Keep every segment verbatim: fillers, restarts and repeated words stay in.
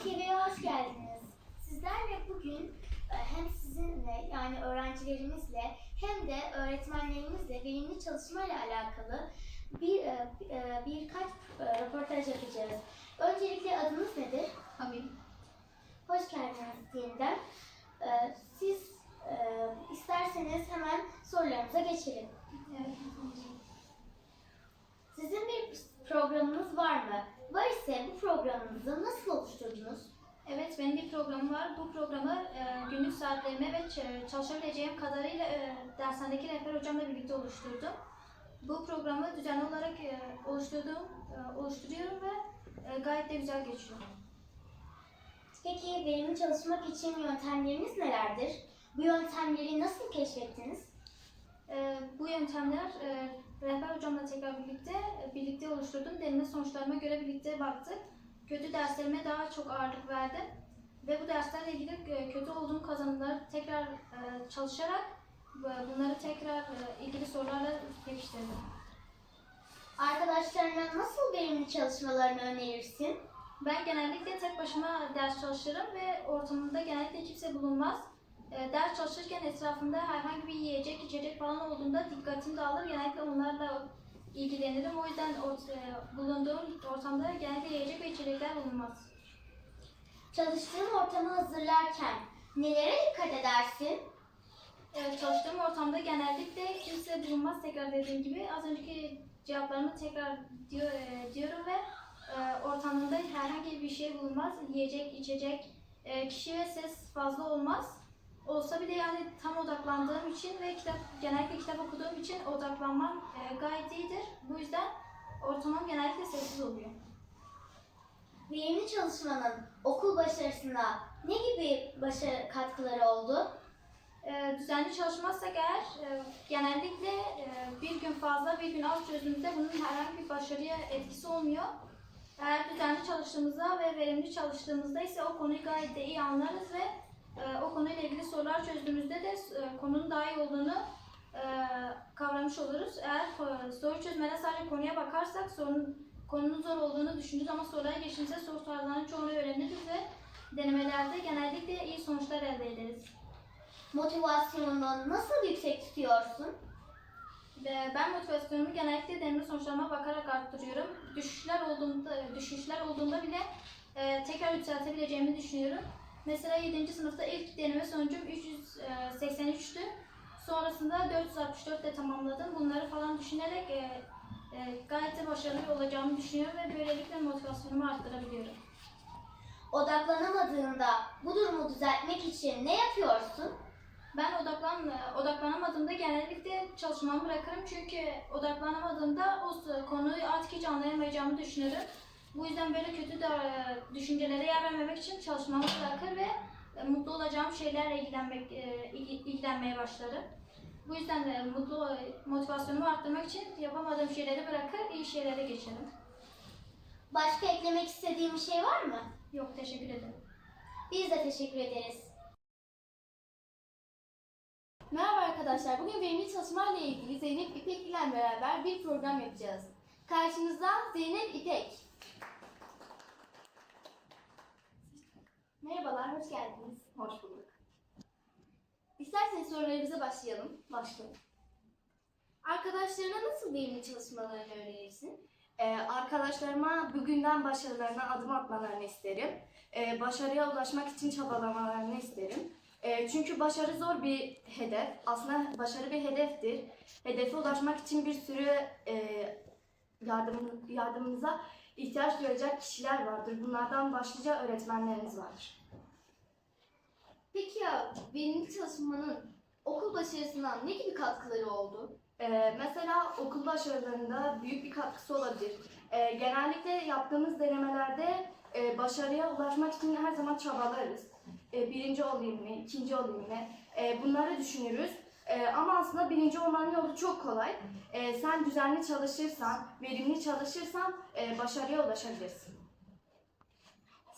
T V'ye hoş geldiniz. Sizlerle bugün e, hem sizinle yani öğrencilerimizle hem de öğretmenlerimizle verimli çalışma ile alakalı bir e, e, birkaç e, röportaj yapacağız. Öncelikle adınız nedir? Hamil. Hoş geldiniz yeniden. E, Siz e, isterseniz hemen sorularımıza geçelim. Evet. Sizin bir programınız var mı? Var ise bu programınızı nasıl oluşturdunuz? Evet, benim bir programım var. Bu programı e, günlük saatlerime ve ç- çalışabileceğim kadarıyla e, dershanedeki rehber hocamla birlikte oluşturdum. Bu programı düzenli olarak e, oluşturduğum, e, oluşturuyorum ve e, gayet de güzel geçiyor. Peki verimli çalışmak için yöntemleriniz nelerdir? Bu yöntemleri nasıl keşfettiniz? E, bu yöntemler e, rehber hocamla tekrar birlikte e, birlikte oluşturdum. Deneme sonuçlarıma göre birlikte baktık. Kötü derslerime daha çok ağırlık verdim ve bu derslerle ilgili e, kötü olduğum kazanımları tekrar e, çalışarak e, bunları tekrar e, ilgili sorularla pekiştirdim. Arkadaşlarına nasıl verimli çalışmalarını önerirsin? Ben genellikle tek başıma ders çalışırım ve ortamımda genellikle kimse bulunmaz. E, ders çalışırken etrafımda herhangi bir yiyecek, içecek falan olduğunda dikkatim dağılır. Genellikle onlarla ilgilenirim. O yüzden ort- e, bulunduğum ortamda genellikle yiyecek ve içecekler bulunmaz. Çalıştığın ortamı hazırlarken nelere dikkat edersin? Evet, çalıştığım ortamda genellikle kimse bulunmaz, tekrar dediğim gibi. Az önceki cevaplarımı tekrar diyor, e, diyorum ve e, ortamında herhangi bir şey bulunmaz. Yiyecek, içecek, e, kişi ve ses fazla olmaz. Olsa bile yani tam odaklandığım için ve kitap genellikle kitap okuduğum için odaklanmam e, gayet iyidir. Bu yüzden ortamım genellikle sessiz oluyor. Verimli çalışmanın okul başarısına ne gibi başarı katkıları oldu? E, düzenli çalışmazsak eğer e, genellikle e, bir gün fazla bir gün az çözdüğümüzde bunun herhangi bir başarıya etkisi olmuyor. Eğer düzenli çalıştığımızda ve verimli çalıştığımızda ise o konuyu gayet de iyi anlarız ve e, o konuyla ilgili sorular çözdüğümüzde de e, konunun daha iyi olduğunu e, kavramış oluruz. Eğer e, soru çözmede sadece konuya bakarsak sorun, konunun zor olduğunu düşünürüz ama sorulara geçtiğimizde soru tarzlarının çoğunu öğreniriz ve denemelerde genellikle iyi sonuçlar elde ederiz. Motivasyonunu nasıl yüksek tutuyorsun? Ve ben motivasyonumu genellikle deneme sonuçlarıma bakarak arttırıyorum. Düşüşler olduğunda, düşüşler olduğunda bile e, tekrar yükseltebileceğimi düşünüyorum. Mesela yedinci sınıfta ilk deneme sonucum üç yüz seksen üçtü. Sonrasında dört yüz altmış dört ile tamamladım. Bunları falan düşünerek e, e, gayet de başarılı olacağımı düşünüyorum ve böylelikle motivasyonumu arttırabiliyorum. Odaklanamadığında bu durumu düzeltmek için ne yapıyorsun? Ben odaklan, odaklanamadığımda genellikle çalışmamı bırakırım çünkü odaklanamadığımda o konuyu artık hiç anlayamayacağımı düşünürüm. Bu yüzden böyle kötü de, düşüncelere yer vermemek için çalışmamı bırakır ve mutlu olacağım şeylerle ilgilenmek, ilgilenmeye başlarım. Bu yüzden de mutlu motivasyonumu arttırmak için yapamadığım şeyleri bırakır, iyi şeylere geçerim. Başka eklemek istediğin bir şey var mı? Yok, teşekkür ederim. Biz de teşekkür ederiz. Merhaba arkadaşlar, bugün verimli çalışmayla ilgili Zeynep İpek ile beraber bir program yapacağız. Karşınızda Zeynep İpek. Merhabalar, hoş geldiniz. Hoş bulduk. İsterseniz sorularımıza başlayalım. Başlayalım. Arkadaşlarına nasıl verimli çalışmalarını önerirsin? Ee, arkadaşlarıma bugünden başarılarına adım atmalarını isterim. Ee, başarıya ulaşmak için çabalamalarını isterim. Ee, çünkü başarı zor bir hedef. Aslında başarı bir hedeftir. Hedefe ulaşmak için bir sürü e, yardım, yardımınıza ihtiyaç duyacak kişiler vardır. Bunlardan başlıca öğretmenleriniz vardır. Peki ya verimli çalışmanın okul başarısına ne gibi katkıları oldu? Ee, mesela okul başarılarında büyük bir katkısı olabilir. Ee, genellikle yaptığımız denemelerde e, başarıya ulaşmak için her zaman çabalarız. Ee, birinci olayım mı, ikinci olayım mı? Ee, bunları düşünürüz. Ee, ama aslında birinci olmanın yolu çok kolay. Ee, sen düzenli çalışırsan, verimli çalışırsan e, başarıya ulaşabilirsin.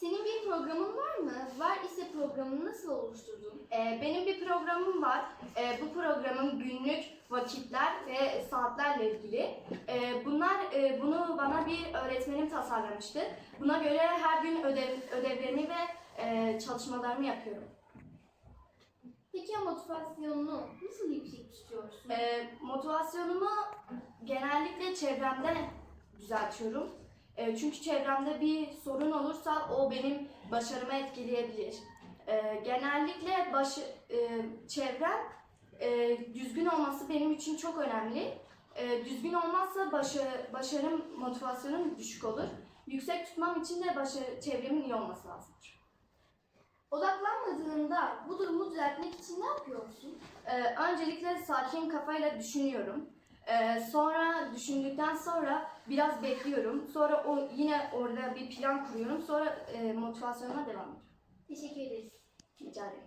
Senin bir programın var mı? Var ise programını nasıl oluşturdun? Ee, benim bir programım var. Ee, bu programın günlük vakitler ve saatlerle ilgili. Ee, bunlar e, bunu bana bir öğretmenim tasarlamıştı. Buna göre her gün ödev, ödevlerimi ve e, çalışmalarımı yapıyorum. Peki ya motivasyonunu nasıl yüksek tutuyorsun? Ee, motivasyonumu genellikle çevremde düzeltiyorum. Ee, çünkü çevremde bir sorun olursa o benim başarımı etkileyebilir. Ee, genellikle başı, e, çevrem e, düzgün olması benim için çok önemli. E, düzgün olmazsa başı, başarım, motivasyonum düşük olur. Yüksek tutmam için de başı, çevremin iyi olması lazımdır. Odaklanmadığında bu durumu düzeltmek için ne yapıyorsun? Ee, öncelikle sakin kafayla düşünüyorum. Ee, sonra düşündükten sonra biraz bekliyorum. Sonra o yine orada bir plan kuruyorum. Sonra e, motivasyonuma devam ediyorum. Teşekkür ederiz. Rica ederim.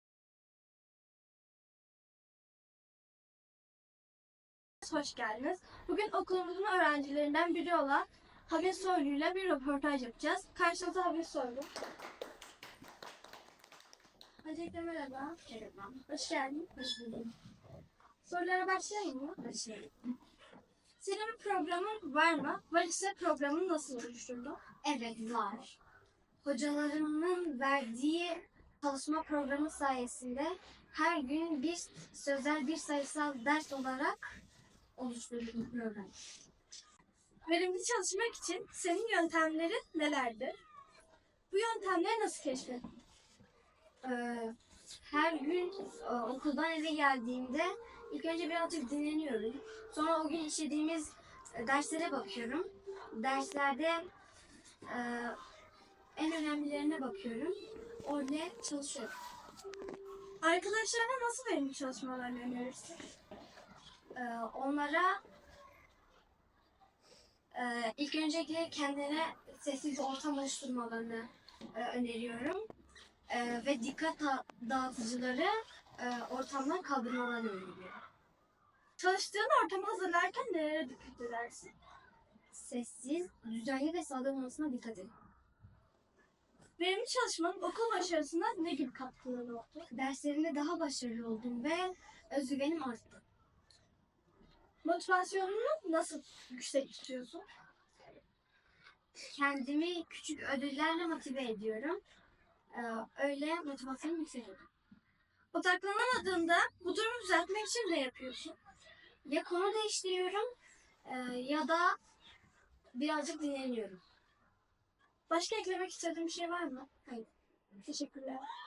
Hoş geldiniz. Bugün okulumuzun öğrencilerinden biri olan Habir Soylu ile bir röportaj yapacağız. Karşınızda Habir Soylu. Öncelikle merhaba. Merhaba. Hoş geldin. Hoş bulduk. Sorulara başlayayım mı? Başlayalım. Senin bir programın var mı? Var ise programını nasıl oluşturdun? Evet var. Hocalarımın verdiği çalışma programı sayesinde her gün bir sözel bir sayısal ders olarak oluşturdum program. Verimli çalışmak için senin yöntemlerin nelerdir? Bu yöntemleri nasıl keşfettin? Ee, her gün e, okuldan eve geldiğimde ilk önce birazcık dinleniyorum. Sonra o gün işlediğimiz e, derslere bakıyorum. Derslerde e, en önemlilerine bakıyorum. Orada çalışıyorum. Arkadaşlarına nasıl verimli çalışmalarını önerirsin? Ee, onlara e, ilk öncelikle kendine sessiz bir ortam oluşturmalarını e, öneriyorum. E, ve dikkat da- dağıtıcıları e, ortamdan kaldırmalarını öneriyorum. Çalıştığın ortamı hazırlarken nelere dikkat edersin? Sessiz, düzenli ve sade olmasına dikkat edin. Verimli çalışmanın okul başarısına ne gibi katkıları oldu? Derslerimde daha başarılı oldum ve özgüvenim arttı. Motivasyonunu nasıl yüksek tutuyorsun? Kendimi küçük ödüllerle motive ediyorum. E, öyle motivasyonum yükseliyor. Odaklanamadığında bu durumu düzeltmek için ne yapıyorsun? Ya konu değiştiriyorum e, ya da birazcık dinleniyorum. Başka eklemek istediğin bir şey var mı? Hayır. Teşekkürler.